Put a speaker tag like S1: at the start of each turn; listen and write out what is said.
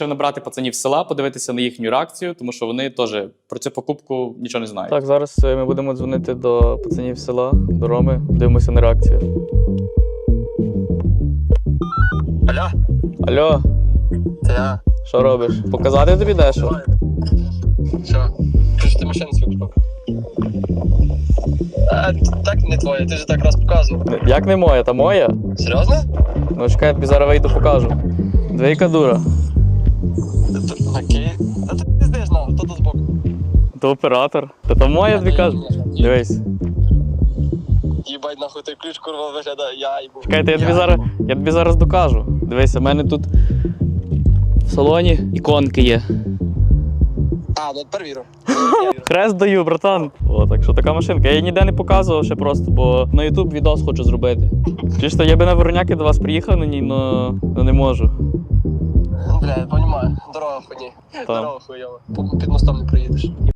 S1: Набрати пацанів з села, подивитися на їхню реакцію, тому що вони теж про цю покупку нічого не знають.
S2: Так, зараз ми будемо дзвонити до пацанів з села, до Роми, дивимося на реакцію.
S3: Алло,
S2: Алло,
S3: це я.
S2: що робиш? Показати тобі дещо?
S3: Що? Кажу, ти машину свою купив. Так не твоя, ти ж так раз показував.
S2: Як не моя, та моя?
S3: Серйозно?
S2: Ну чекай, я тобі зараз вийду покажу. Двійка дура.
S3: Окей. Та ти не знаєш, хто тут збоку.
S2: То оператор. Та то моя тобі кажу. Дивись.
S3: Їбать, нахуй той ключ, курва, виглядає, я їбу.
S2: Чекайте, я тобі зараз докажу. Дивися, в мене тут в салоні іконки є.
S3: Ну перевірю.
S2: Хрест даю, братан. О, так що така машинка. Я її ніде не показував ще просто, бо на YouTube відос хочу зробити. Чисто, я би на Вороняки до вас приїхав на ній, но не можу.
S3: Бля, я розумію. Дорога хуйні.
S2: Там.
S3: Дорога хуйова. Під мостом не проїдеш.